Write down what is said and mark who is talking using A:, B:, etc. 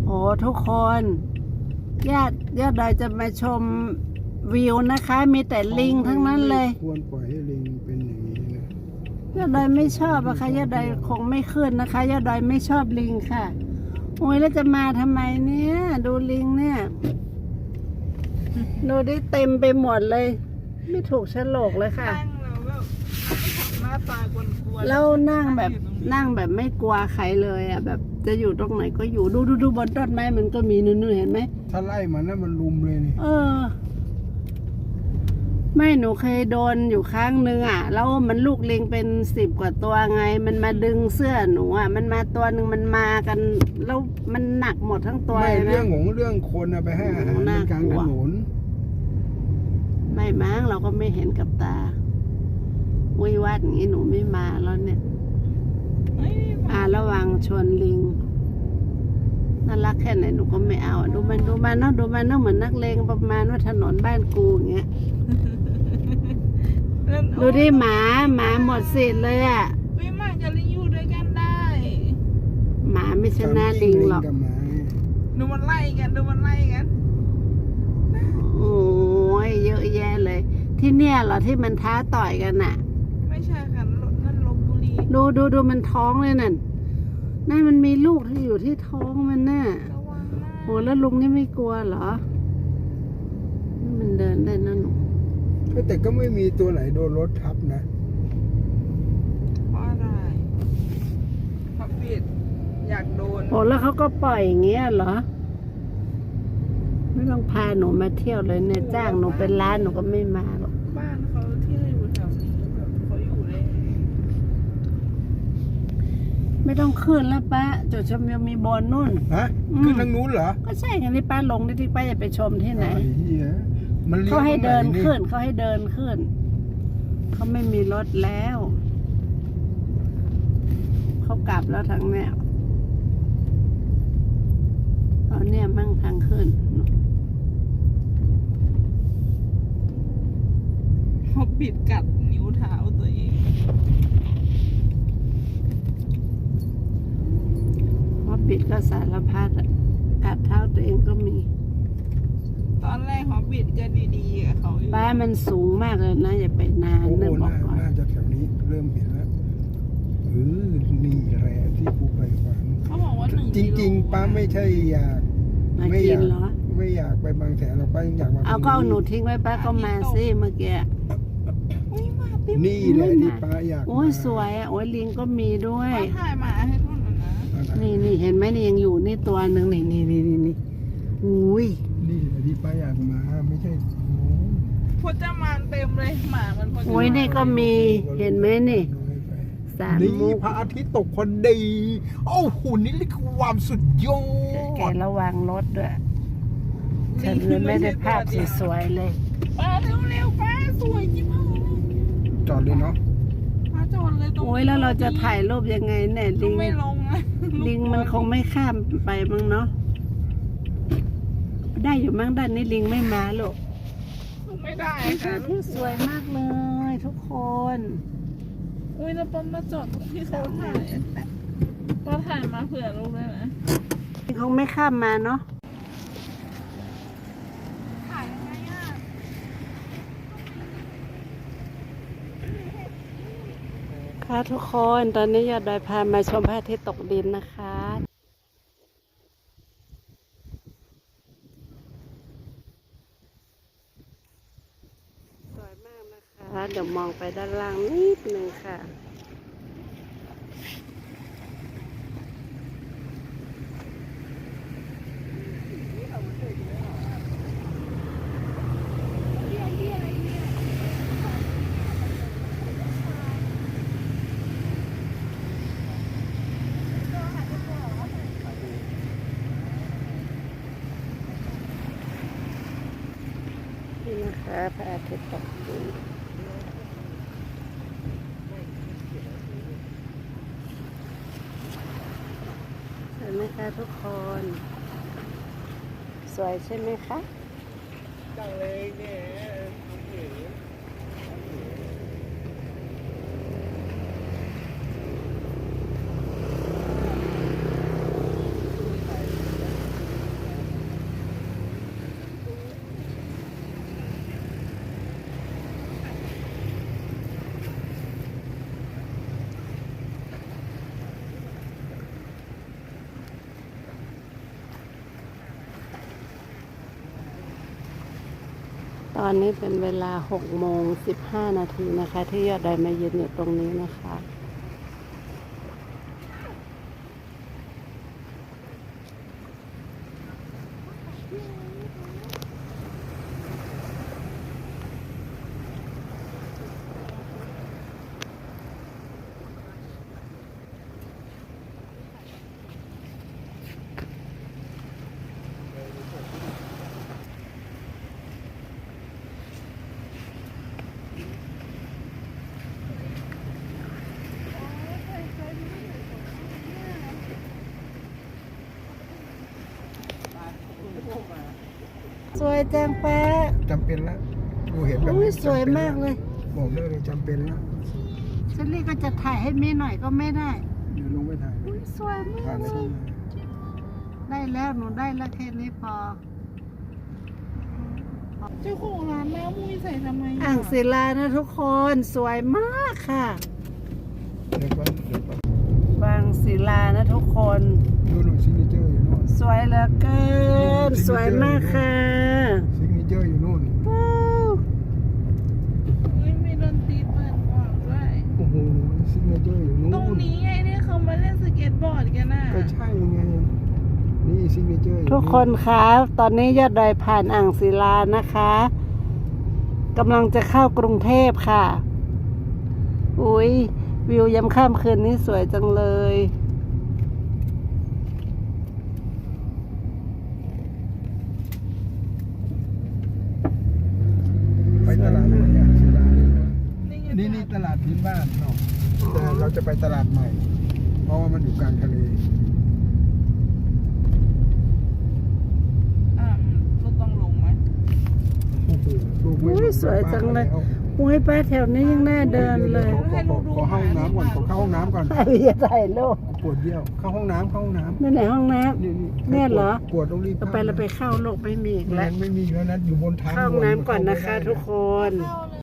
A: ทุกคนญาติดอยจะมาชมวิวนะคะ มีแต่ลิงทั้งนั้นเลย
B: ควรปล่อยให้ลิงเป็นอย่างนี้นะ
A: ญาติดอยไม่ชอบอะค่ะญาติดอยคงไม่ขึ้นนะคะญาติดอยไม่ชอบลิงค่ะโอ้ยแล้วจะมาทำไมเนี่ยดูลิงเนี่ยดูได้เต็มไปหมดเลย ไม่ถูกโฉลกเลยค่ะ
C: หน้าตากวนๆ
A: แล้วนั่งแบบไม่กลัวใครเลยอ่ะแบบจะอยู่ตรงไหนก็อยู่ดูบนต้นไม้มันก็มีนู่นเห็นไหม
B: ถ้าไล่มันนะมันลุมเลยนี่
A: ไม่หนูเคยโดนอยู่ครั้งหนึ่งอ่ะแล้วมันลูกลิงเป็น10 กว่าตัวไงมันมาดึงเสื้อหนูอ่ะมันมาตัวหนึ่งมันมากันแล้วมันหนักหมดทั้งตัว
B: ไม่
A: เลยนะ
B: เรื่องคนไปให้อาหารในกลางถนน
A: ไม่มั้งเราก็ไม่เห็นกับตาวิวัฒน์อย่างนี้หนูไม่มาแล้วเนี่ยระวังชนลิงน่ารักแค่ไหนหนูก็ไม่เอาดูมันเนาะเหมือนนักเลงประมาณว่าถนนบ้านกูอย่างเงี้ยดูดิหมาหมดสิทธิ์เลยอ่ะ
C: ไม่มากับลิงอยู่ด้วยกันได้
A: หมาไม่ชนะลิงหรอก
C: ดูมันไล่กัน
A: โอ้ยเยอะแยะเลยที่เนี่ยเหรอที่มันท้าต่อยกันน่ะ
C: ไม่ใช่ค่ะนั่นลพบุรี
A: ดูมันท้องเลยนั่นมันมีลูกที่อยู่ที่ท้องมันน่ะโหแล้วลุงนี่ไม่กลัวเหรอมันเดินได้นะหนู
B: แต่ก็ไม่มีตัวไหนโดนรถทับนะ
C: เพราะอะไรเพราะปิดอยากโดน
A: แล้วเขาก็ปล่อยอย่างเงี้ยเหรอไม่ต้องพาหนูมาเที่ยวเลยเนี่ยจ้างหนูเป็นล้านหนูก็ไม่มาหรอก
C: บ้านเขาที่อยู่แถวนี้แบบเขาอยู่เลย
A: ไม่ต้องขึ้นแล้วป้าจุดชมวิวมีบนนู่น
B: ขึ้นทางนู้นเหรอ
A: ก็ใช่ไงนี่ป้าลงที่ป้าจะไปชมที่ไหน
B: เขา
A: ให้เดินขึ้นเขาไม่มีรถแล้วเขากลับแล้วทางแนวตอนเนี้ยมั่งทางขึ้น
C: เขาปิดกัดนิ้วเท้าตัวเอง
A: ว่าปิดก็สารพัดกัดเท้าตัวเองก็มี
C: ตอนแรกเขาปิดก็ดีๆกับเขา
A: ป้ามันสูงมากเลยนะอย่าไปนาน
B: นะบอกก่อนน่าจะแถวนี้เริ่มเห็นแล้วนี่แหละที่ภูไปฝัน
C: เขาบอกว่า
B: จริงๆป้าไม่ใช่อยาก
A: ไม่
B: อยากไปบางแสนเราป้าอยากมา
A: เอาก็หนูทิ้งไว้ป้าก็มาสิเมื่อกี้
B: นี่แหละที่ป้าอยาก
A: โอ้ยสวยโอ้ยลิงก็มีด้วย
C: ถ่ายมาให้ทุกคนนะ
A: นี่เห็นไหมนี่ยังอยู่นี่ตัวหนึ่งนี่อุ้ย
B: นี่แหละที่ป้าอยากมาไม่ใช่
C: พจมานเต็มเลยหมามันพจมาน
A: โอ้ยนี่ก็มีเห็นไหมนี่
B: นี่พระอาทิตย์ตกพอดีโอ้โหนี่คือความสุดยอด
A: แกระวังรถด้วยฉันเลยไม่ได้ภาพสวยๆเลย
C: ป้าเร็วป้าสวยจริง
B: จอดเลยเนาะ
C: ป้าจอดเลย
A: โอ้ยแล้วเราจะถ่ายรูปยังไงเนี่ยลิง
C: ไม่ลง
A: ลิงมันคงไม่ข้ามไปมั้งเนาะได้อยู่มั้งด้านนี้ลิงไม่มาลูก
C: ไม่ได้ค่ะ
A: ที่สวยมากเลยทุกคน
C: อุ้ยแล้วป้ามาจอดที่เขาถ่ายป้าถ่ายมาเผื่อลูกได้ไหม
A: คงไม่ข้ามมาเนาะ
C: ถ่ายยังไงอ่ะ
A: ค่ะทุกคนตอนนี้ยอดดอยพามาชมพระอาทิตย์ตกดินนะคะสวยมากนะคะเดี๋ยวมองไปด้านล่างนิดนึงค่ะนี่นะคะพระอาทิตย์ตกดินสวยไหมคะทุกคนสวยใช่ไหมคะ
C: จังเลยเนี่ย
A: ตอนนี้เป็นเวลา6:15 น.นะคะ ที่ยอดดอยมายืนอยู่ตรงนี้นะคะ สวยจังแป๊ะ
B: จำเป็นแล้วดูเห็นแบบ
A: อุ้ย
B: นี้
A: สวยมากเลย
B: บอกได้เลยจำเป็นแล้ว
A: เชลลี่ก็จะถ่ายให้เมย์หน่อยก็ไม่ได้
B: เดี๋ยวลงไปถ่าย
A: อุ้ยสวยมา
B: ถ่าย
A: ก
B: ไม่
A: เล
B: ได้
A: ยได้แล้วหนูได้แล้วแค่นี้พอ
C: เจ้าของร้านแม่มุ้ยใส่ทำไม
A: อ่างศิลานะทุกคนสวยมากค่ะ
B: เดี๋ยวก่อนเดี๋ยวก่อน
A: บางศิลานะทุกคน
B: ดูหนูซิกเนเจอร์อยู่โน่น
A: สวยเหลือเกินสวยมากค่ะ
B: ซิกเนเจอร์อยู่โน่น
A: ว้าว
C: ไม่มีดนตรีเปิดก่อนด้วย
B: โอ้โหซิกเนเจอร์อยู่โน่น
C: ตรงนี้ไงที่เขามาเล่นสเก็ตบอร์ดกันน่ะ
B: ก็ใช่ไงนี่ซิกเนเจอร์อยู่
A: ทุกคนคะตอนนี้ยอดดอยผ่านอ่างศิลานะคะกำลังจะเข้ากรุงเทพค่ะอุ้ยวิวยามค่ำคืนนี้สวยจังเลย
B: ไปตลาดไหนอ่ะศิลา
C: นี่ไง
B: นี่ตลาดพื้นบ้านเนาะแต่เราจะไปตลาดใหม่ เพราะว่ามันอยู่กลางทะเล
C: รถต้องลงไหม
B: โอ้โหลูกไม่
A: อุ้ยสวยจังเลยอุ้ยป้าแถวนี้ยังน่าเดินเลย
B: ขอเข้าห้องน้ำก่อนขอเข้าห้องน้ำก่อน
A: ใครจะถ่ายรูป
B: ปวดเยี่ยวเข้าห้องน้ำเข้าห้องน้ำ
A: นั่นไหนห้องน้
B: นี่
A: แน่เหรอ
B: ปวดต้องรีบ
A: ำเราไปเราไปเข้าโลกไม่มีอีก
B: แล้
A: แล้ว
B: ไม่มีแล้วนะอยู่บนทาง
A: เข้าห้องน้ำก่อนนะคะ ทุกคน
C: เข้าเลย